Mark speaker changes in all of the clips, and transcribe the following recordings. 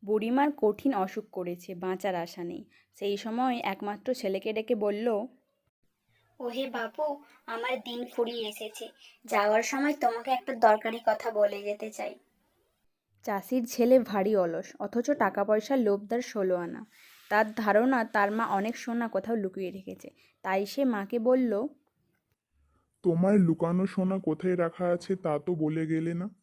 Speaker 1: বুড়িমার কঠিন অসুখ করেছে, বাঁচার আশা নেই। সেই সময় একমাত্র ছেলেকে ডেকে বলল,
Speaker 2: ওহে বাপু, আমার দিন ফুরিয়ে এসেছে। যাওয়ার সময় তোমাকে একটা দরকারি কথা বলে যেতে চাই।
Speaker 1: চাষির ছেলে ভারী অলস, অথচ টাকা পয়সার লোভ তার 16 আনা। তার ধারণা তার মা অনেক সোনা কোথাও লুকিয়ে রেখেছে। তাই সে মাকে বলল,
Speaker 3: তোমার লুকানো সোনা কোথায় রাখা আছে তা তো বলে গেলে না।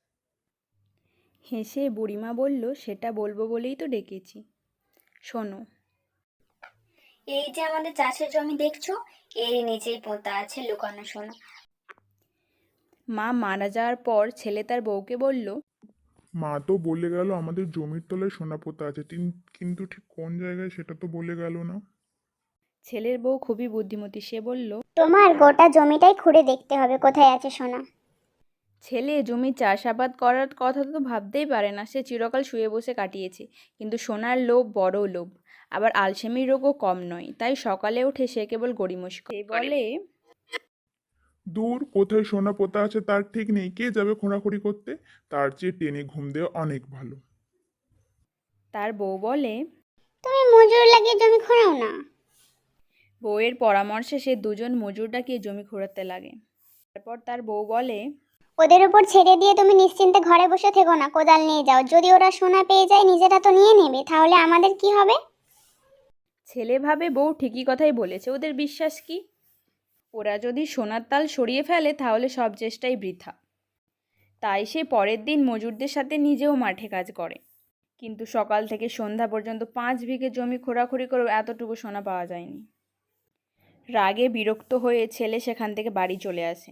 Speaker 1: হেসে বুড়িমা বলল, সেটা বলবো বলেই তো ডেকেছি। শোনো।
Speaker 2: এই যে আমাদের চাষের জমি দেখছো, এর নিচেই পোঁতা আছে লুকানো সোনা।
Speaker 1: মা মারা যাওয়ার পর ছেলে তার বউকে বলল,
Speaker 3: মা তো বলে গেল আমাদের জমির তলায় সোনা পোতা আছে, কিন্তু ঠিক কোন জায়গায় সেটা তো বলে গেল না।
Speaker 1: ছেলের বউ খুবই বুদ্ধিমতী, সে বলল,
Speaker 4: তোমার গোটা জমিটাই খুঁড়ে দেখতে হবে কোথায় আছে সোনা।
Speaker 1: ছেলে জমি চাষাবাদ করার কথা তো ভাবতেই পারে না, সে চিরকাল শুয়ে বসে কাটিয়েছে। কিন্তু সোনার লোভ বড় লোভ, আবার আলসেমির রোগও কম নয়। তাই সকালে উঠে সে কেবল গড়িমসি করে। সে বলে,
Speaker 3: দূর, কোথায় সোনা পোতা আছে তার ঠিক নেই, কে যাবে খোঁড়াখুড়ি করতে? তার চেয়ে টেনে ঘুম দেওয়া অনেক ভালো।
Speaker 1: তার বউ বলে,
Speaker 4: তুমি মজুর লাগিয়ে জমি খোঁড়াও না।
Speaker 1: বউয়ের পরামর্শে সে দুজন মজুর ডাকিয়ে জমি খোঁড়াতে লাগে। তারপর তার বউ বলে,
Speaker 4: ওদের উপর ছেড়ে দিয়ে তুমি নিশ্চিন্তে ঘরে বসে থেকো না, কোদাল নিয়ে যাও। যদি ওরা সোনা পেয়ে যায় নিজেরা তো নিয়ে নেবে, তাহলে আমাদের কি হবে?
Speaker 1: ছেলে ভাবে বউ ঠিকই কথাই বলেছে, ওদের বিশ্বাস কি? ওরা যদি সোনার তাল সরিয়ে ফেলে তাহলে সব চেষ্টাই বৃথা। তাই সে পরের দিন মজুরদের সাথে নিজেও মাঠে কাজ করে। কিন্তু সকাল থেকে সন্ধ্যা পর্যন্ত 5 বিঘে জমি খোঁড়াখুড়ি করেও এতটুকু সোনা পাওয়া যায়নি। রাগে বিরক্ত হয়ে ছেলে সেখান থেকে বাড়ি চলে আসে।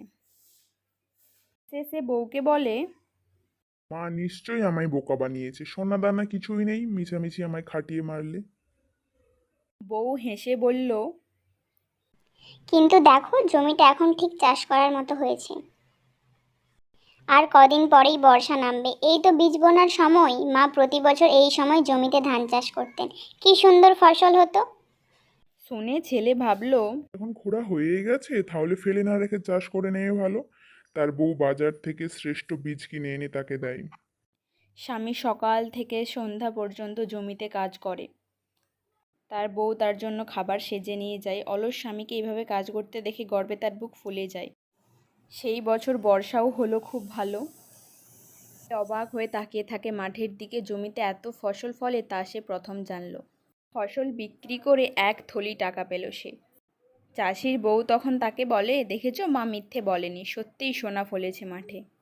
Speaker 1: সে বউকে বলে,
Speaker 3: মা নিশ্চয়ই আমায় বোকা বানিয়েছে, সোনা দানা কিছুই নেই, মিছামিছি আমায় খাটিয়ে মারলে।
Speaker 1: বউ হেসে বলল,
Speaker 4: কিন্তু দেখো জমিটা এখন ঠিক চাষ করার মতো হয়েছে। আর কদিন পরেই বর্ষা নামবে, এই তো বীজ বোনার সময়। মা প্রতি বছর এই সময় জমিতে ধান চাষ করতেন, কি সুন্দর ফসল হতো।
Speaker 1: শুনে ছেলে ভাবল,
Speaker 3: এখন খোঁড়া হয়েই গেছে, তাহলে ফেলে না রেখে চাষ করে নেওয়া ভালো। তার বউ বাজার থেকে শ্রেষ্ঠ বীজ কিনে এনে তাকে দেয়।
Speaker 1: স্বামী সকাল থেকে সন্ধ্যা পর্যন্ত জমিতে কাজ করে। তার বউ তার জন্য খাবার সেজে নিয়ে যায়। অলস স্বামীকে এইভাবে কাজ করতে দেখে গর্বে তার বুক ফুলে যায়। সেই বছর বর্ষাও হলো খুব ভালো। অবাক হয়ে তাকিয়ে থাকে মাঠের দিকে, জমিতে এত ফসল ফলে তা সে প্রথম জানল। ফসল বিক্রি করে 1 থলি টাকা পেল সে। চাষির বউ তখন তাকে বলে, দেখেছো, মা মিথ্যে বলেনি, সত্যিই সোনা ফলেছে মাঠে।